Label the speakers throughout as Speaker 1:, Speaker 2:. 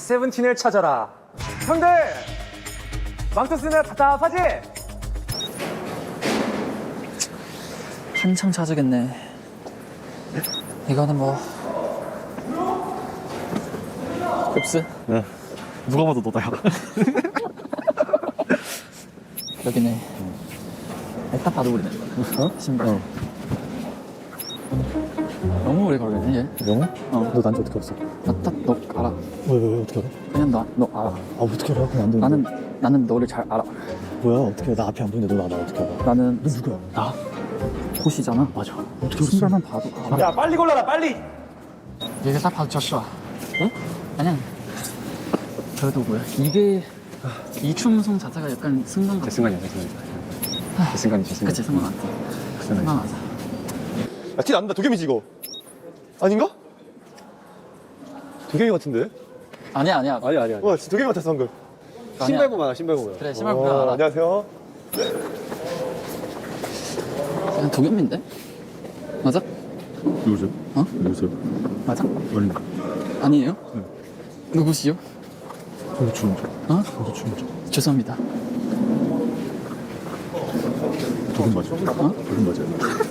Speaker 1: 세븐틴을 찾아라. 형들 망토 쓰느라 답답하지?
Speaker 2: 한참 찾으겠네. 이거는 뭐 흡스?
Speaker 3: 네. 누가 봐도 너다야.
Speaker 2: 여기네. 딱 봐도 우리네. 신발. 너무 오래 걸리네 얘.
Speaker 3: 영어?
Speaker 2: 어.
Speaker 3: 너 난지 어떻게 알았어?
Speaker 2: 너 알아.
Speaker 3: 왜 어떻게 알아?
Speaker 2: 그냥 너 알아.
Speaker 3: 아 어떻게 알아? 그럼 안 되는데.
Speaker 2: 나는 너를 잘 알아.
Speaker 3: 뭐야 어떻게 알아? 나 앞에 안 보이는데 너 나 어떻게 알아?
Speaker 2: 나는
Speaker 3: 너 누구야?
Speaker 2: 나 호시잖아.
Speaker 3: 맞아. 어떻게 알았어?
Speaker 2: 신발만 봐도 알아.
Speaker 1: 야 빨리 골라라 빨리.
Speaker 2: 얘가 딱 봐도 졌어. 응? 아니야. 그래도 뭐야? 이게 이 춤송 자체가 약간 승관 같아.
Speaker 4: 제 순간이야. 제 순간.
Speaker 2: 그치 승관 같아. 승관 맞아.
Speaker 5: 야, 티 난다. 도겸이지 이거? 아닌가? 도겸이 같은데?
Speaker 2: 아니야.
Speaker 4: 아니야.
Speaker 5: 와 진짜 도겸이 같았어 방금.
Speaker 2: 아니야.
Speaker 4: 신발 보면 신발 보면.
Speaker 2: 그래 신발 보면 알아.
Speaker 5: 안녕하세요.
Speaker 2: 그냥 도겸인데? 맞아?
Speaker 3: 누구세요?
Speaker 2: 어?
Speaker 3: 누구세요?
Speaker 2: 맞아?
Speaker 3: 아닙니다.
Speaker 2: 아니에요? 누구시요?
Speaker 3: 저도 주문자.
Speaker 2: 어?
Speaker 3: 저도 주문자.
Speaker 2: 죄송합니다.
Speaker 3: 도금 맞아? 도금 맞아요.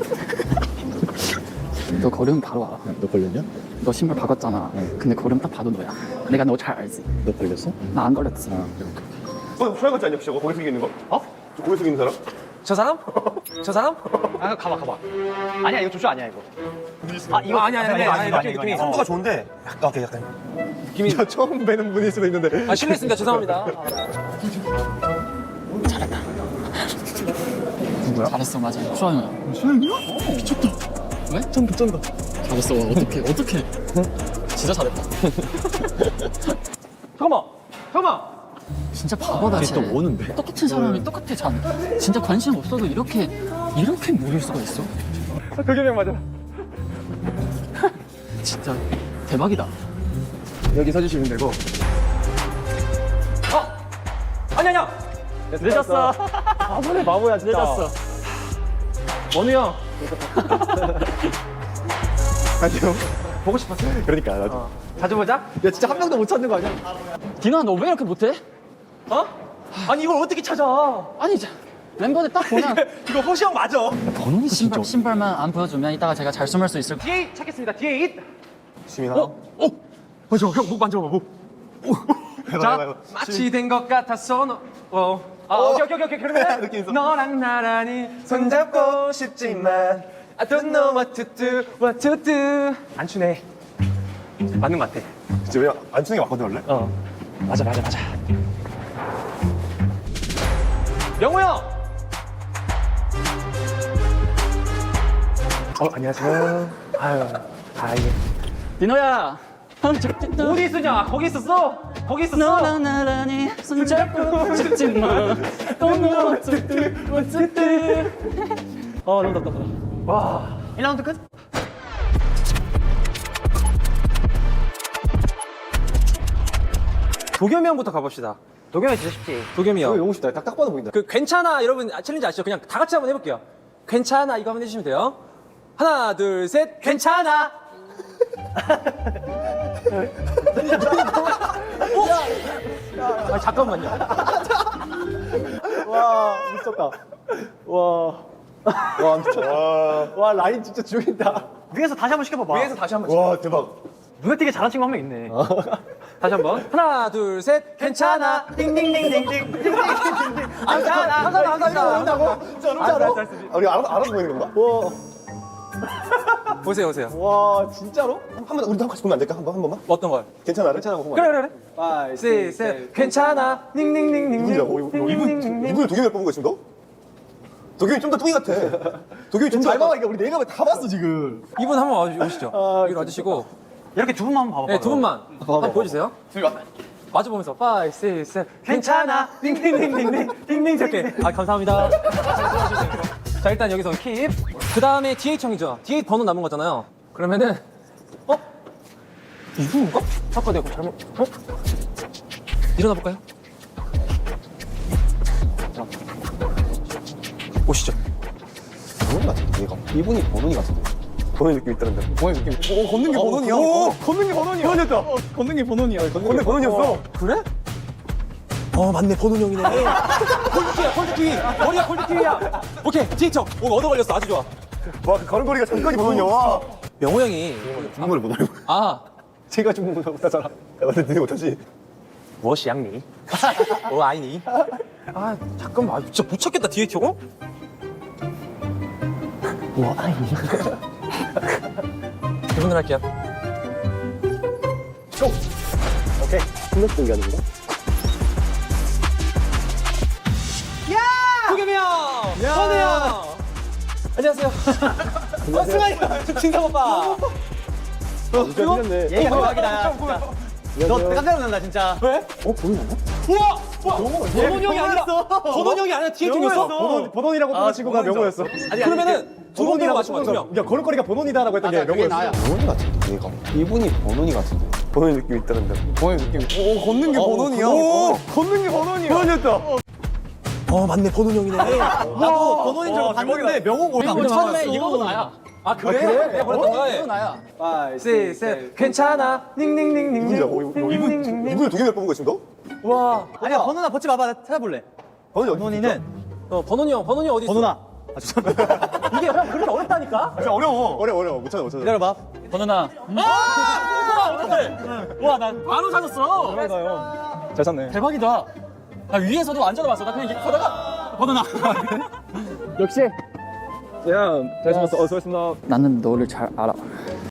Speaker 2: 너 걸으면 바로 알아.
Speaker 3: 너 걸렸냐?
Speaker 2: 너 신발 바꿨잖아. 근데 걸으면 딱 봐도 너야. 내가 너 잘 알지?
Speaker 3: 너 걸렸어?
Speaker 2: 나 안 걸렸지.
Speaker 5: 소영 같지 않냐 혹시 저거? 고개 숙이고 있는 거? 어? 저 고개 숙이는 사람?
Speaker 1: 저 사람? 저 사람?
Speaker 4: 아 가봐. 아니야 이거 조슈 아니야 이거.
Speaker 1: 이거 아니야. 느낌이.
Speaker 5: 성도가 좋은데 약간 오케이 약간. 느낌이 저 처음 뵈는 분일 수도 있는데.
Speaker 1: 아 실례했습니다. 죄송합니다.
Speaker 2: 누구야? 잘했어 맞아. 수아형이야.
Speaker 3: 수영이야? 미쳤다.
Speaker 2: 왜?
Speaker 3: 쩐다.
Speaker 2: 잘했어. 어떻게? 진짜 잘했다.
Speaker 1: 잠깐만.
Speaker 2: 진짜 바보다 쟤.
Speaker 3: 또 오는데?
Speaker 2: 똑같은 사람이 똑같아 잘. 진짜 관심 없어도 이렇게 모를 수가 있어.
Speaker 1: 도겸이 형 맞아.
Speaker 2: 진짜 대박이다.
Speaker 5: 여기 서주시면 되고.
Speaker 1: 아니야.
Speaker 4: 늦었어.
Speaker 1: 바보야 진짜.
Speaker 2: 늦었어.
Speaker 1: 원우 형
Speaker 5: 안녕.
Speaker 1: 보고 싶었어.
Speaker 5: 그러니까 나도.
Speaker 1: 자주 보자.
Speaker 5: 야 진짜 한 명도 못 찾는 거 아니야?
Speaker 2: 디나 너 왜 이렇게 못해?
Speaker 1: 어? 아니 이걸 어떻게 찾아?
Speaker 2: 아니 멤버들 딱 보면
Speaker 1: 이거 호시 형 맞아.
Speaker 3: 번호는 진짜.
Speaker 2: 신발만 안 보여주면 이따가 제가 잘 숨을 수 있을 거야.
Speaker 1: 뒤에 찾겠습니다. 뒤에 잇.
Speaker 5: 시민아.
Speaker 1: 맞아. 형 목 만져봐 목.
Speaker 5: 해봐.
Speaker 1: 자, 마치 된 것 같아서 오케이. 그러면
Speaker 5: 느낌 있어.
Speaker 1: 너랑 나란히 손잡고 싶지만 I don't know what to do. 안 추네. 맞는 것 같아.
Speaker 5: 진짜 왜 안 추는 게 맞거든 원래?
Speaker 1: 맞아. 영호 형. 안녕하세요. 아유, 예.
Speaker 2: 디노야.
Speaker 1: 어디 있으냐? 거기 있었어?
Speaker 2: 너랑 나란히 손잡고 싶지만 Don't know what to do.
Speaker 1: 너무 답답하다. 와.
Speaker 2: 1라운드 끝?
Speaker 1: 도겸이 형부터 가봅시다.
Speaker 4: 도겸이 진짜 쉽지.
Speaker 1: 도겸이 형.
Speaker 5: 너무 쉽다. 딱 봐도 보인다.
Speaker 1: 그 괜찮아 여러분 챌린지 아시죠? 그냥 다 같이 한번 해볼게요. 괜찮아 이거 한번 해주시면 돼요. 하나 둘 셋 괜찮아. 잠깐만요.
Speaker 5: 와 미쳤다. 와 미쳤다. 와 라인 진짜 죽인다.
Speaker 4: 위에서 다시 한번 시켜봐봐.
Speaker 1: 위에서 다시 한번.
Speaker 5: 와 대박.
Speaker 4: 눈에 띄게 잘한 친구 한 명 있네.
Speaker 1: 다시 한번. 하나 둘 셋 괜찮아. 띵띵띵띵띵. 괜찮아.
Speaker 5: 보인다고? 진짜로? 우리 알아서 보이는 건가?
Speaker 1: 보세요.
Speaker 5: 와 진짜로? 한번 우리도 같이 보면 안 될까? 한 번만?
Speaker 1: 어떤 걸?
Speaker 5: 괜찮아? 괜찮아 보면 안 돼?
Speaker 1: 그래. 셋 괜찮아. 닝닝닝닝.
Speaker 5: 이분이라고? 이분을 도겸이를 뽑은 거야 지금 너? 도겸이 좀 더 뚱이 같아. 도겸이 좀 잘 봐봐. 우리 네가 다 봤어 지금.
Speaker 1: 이분 한번 오시죠. 여기 와주시고.
Speaker 4: 이렇게 두 분만 한번 봐봐.
Speaker 1: 네, 두 분만 한번 보여주세요. 마주 보면서 5, 6, 7 괜찮아 띵띵띵띵띵 띵띵 이렇게 감사합니다. 자 일단 여기서 킵. 그 다음에 DH 형이죠. DH 번호 남은 거잖아요. 그러면은 이분인가? 아까 내가 잘못 일어나 볼까요? 오시죠.
Speaker 5: 번훈이 같은데 얘가. 이분이 번훈이 같은데. 번호의 느낌 있다는데. 번호의 느낌. 오, 걷는 게 번호이야. 오, 걷는 게 번호이야. 번호였다. 걷는 게 번호이야. 걷는 게 번호였어.
Speaker 1: 그래?
Speaker 5: 맞네, 번호 형이네.
Speaker 1: 폴드키야, 폴드키. 머리가 폴드키야. 오케이, DH형. 오늘 얻어 걸렸어. 아주 좋아.
Speaker 5: 와, 그 걸음걸이가 잠깐이 번호냐. 와.
Speaker 1: 명호 형이.
Speaker 5: 중국어를 못 알고.
Speaker 1: 아,
Speaker 5: 제가 중국어 못하잖아. 근데 니네 못하지.
Speaker 1: 무엇이 양니? 아이니? 아, 잠깐만. 진짜 못 찾겠다, DH형. 아이니? 이분들 할게요.
Speaker 5: 오케이. 신경 쓰는 게 아닌가?
Speaker 1: 도겸이 형! 선우 형! 안녕하세요. 승환이 형! 진상 오빠!
Speaker 5: 미쳤네.
Speaker 4: 얘가 대박이다. 진짜. 너 깜짝 놀란다 진짜.
Speaker 1: 왜? 우와! 번원 형이 아니라 번원 형이 아니라 뒤에 튕겼어.
Speaker 5: 번원이라고 뽑은 친구가 명호였어.
Speaker 1: 그러면은 두 번 들어 맞춘 거야, 두 명.
Speaker 5: 야, 걸음걸이가 번원이다라고 했던 게 명호였어. 번원이 같은데, 얘가. 이분이 번원이 같은데. 번원의 느낌 있다는데. 번원의 느낌. 오, 걷는 게 번원이야. 오, 걷는 게 번원이야. 번원이었다. 맞네, 번원 형이네.
Speaker 1: 나도 번원인 줄 알고 봤는데 명호고.
Speaker 2: 우리 처음에 이거도 나야.
Speaker 1: 아, 그래? 내가 버렸던 거야?
Speaker 2: 이거 나야.
Speaker 1: 5, 6, 7. 괜찮아. 닝닝닝닝.
Speaker 5: 이분을 도겸이를 뽑은 거야, 지금 너?
Speaker 1: 와.
Speaker 4: 아니야 번호나 버치 봐봐. 찾아볼래.
Speaker 5: 번원이는
Speaker 1: 번원이 형 어디 있어?
Speaker 4: 번호나.
Speaker 1: 이게 형 그렇게 어렵다니까?
Speaker 5: 진짜 어려워. 어려워. 못 찾아.
Speaker 4: 기다려봐.
Speaker 2: 번호나.
Speaker 1: 와, 나 바로 찾았어.
Speaker 5: 잘 찾네.
Speaker 1: 대박이다. 나 위에서도 안 찾아봤어. 나 그냥 이렇게 하다가 번호나.
Speaker 2: 역시
Speaker 5: 야, 잘 찾았어. 수고했습니다.
Speaker 2: 나는 너를 잘 알아.